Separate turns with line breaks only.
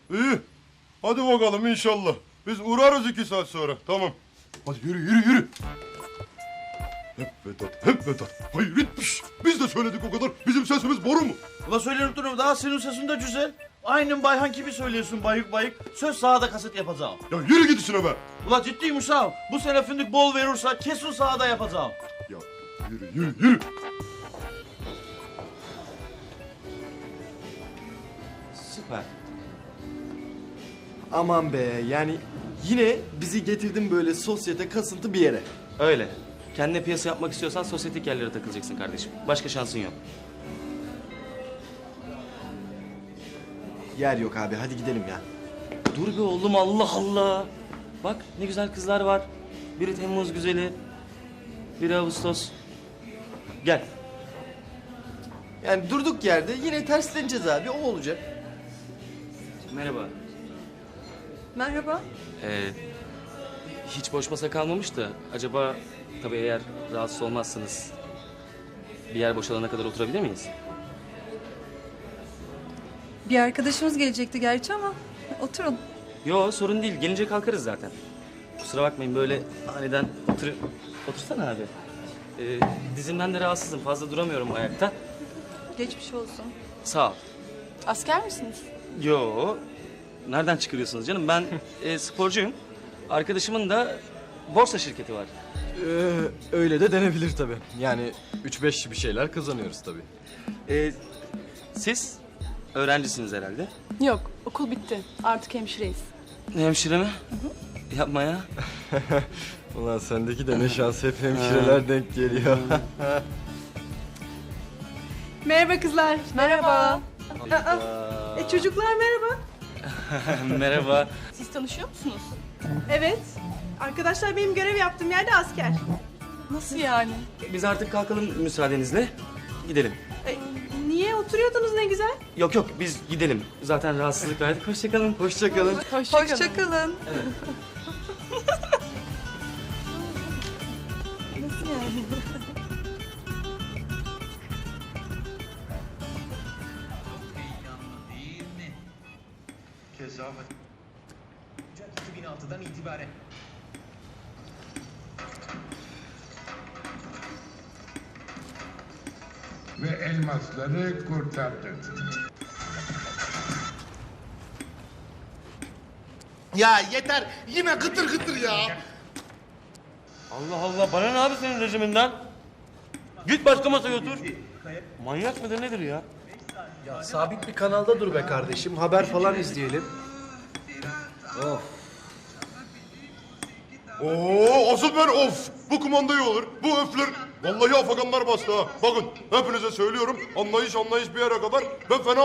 İyi. Hadi bakalım inşallah. Biz uğrarız 2 saat sonra. Tamam. Hadi yürü yürü yürü. Hep Vedat, hep Vedat. Hayır etmiş. Biz de söyledik o kadar. Bizim sesimiz boru mu?
Ula söyleyip durum daha senin sesin de güzel. Aynen Bayhan gibi söylüyorsun bayık bayık. Söz sahada kaset yapacağım.
Ya yürü git işine be.
Ula ciddiyim uşağım. Bu sene fındık bol verirse kesin sahada yapacağım.
Ya yürü yürü yürü.
Süper.
Aman be, yani yine bizi getirdin böyle sosyete kasıntı bir yere.
Öyle. Kendine piyasa yapmak istiyorsan sosyetik yerlere takılacaksın kardeşim. Başka şansın yok.
Yer yok abi, hadi gidelim ya.
Dur be oğlum, Allah Allah. Bak ne güzel kızlar var. Biri Temmuz güzeli, biri Ağustos. Gel.
Yani durduk yerde yine tersleneceğiz abi, o olacak.
Merhaba.
Merhaba.
Hiç boş masa kalmamış da acaba tabii eğer rahatsız olmazsanız bir yer boşalana kadar oturabilir miyiz?
Bir arkadaşımız gelecekti gerçi ama oturun.
Yo sorun değil, gelince kalkarız zaten. Kusura bakmayın böyle aniden otursana abi. Dizimden de rahatsızım, fazla duramıyorum ayakta.
Geçmiş olsun.
Sağ ol.
Asker misiniz?
Yo, nereden çıkarıyorsunuz canım? Ben sporcuyum. Arkadaşımın da borsa şirketi var.
Öyle de denebilir tabii. Yani 3-5 bir şeyler kazanıyoruz tabii.
Siz öğrencisiniz herhalde.
Yok, okul bitti. Artık hemşireyiz.
Hemşire mi? Yapma ya.
Ulan sendeki de ne şans, hep hemşireler denk geliyor.
Merhaba kızlar.
Merhaba.
Çocuklar merhaba.
Merhaba.
Siz tanışıyor musunuz?
Evet. Arkadaşlar benim görev yaptığım yerde asker.
Nasıl yani?
Biz artık kalkalım müsaadenizle. Gidelim.
Niye oturuyordunuz ne güzel?
Yok yok biz gidelim. Zaten rahatsızlık verdik. Hoşçakalın. Hoşçakalın.
Hoşça kalın. Nasıl yani?
Ocak 2006'dan itibaren
ve elmasları kurtardık.
Ya yeter. Yine gıtır gıtır ya.
Allah Allah bana ne abi senin rejiminden? Git başka masaya otur. Manyak mıdır nedir ya?
Ya sabit bir kanalda dur be kardeşim. Haber falan izleyelim.
Oo asıl ben of. Bu kumanda iyi olur. Bu öfler. Vallahi afaganlar bastı ha. Bakın hepinize söylüyorum. Anlayış bir yere kadar. Ben fena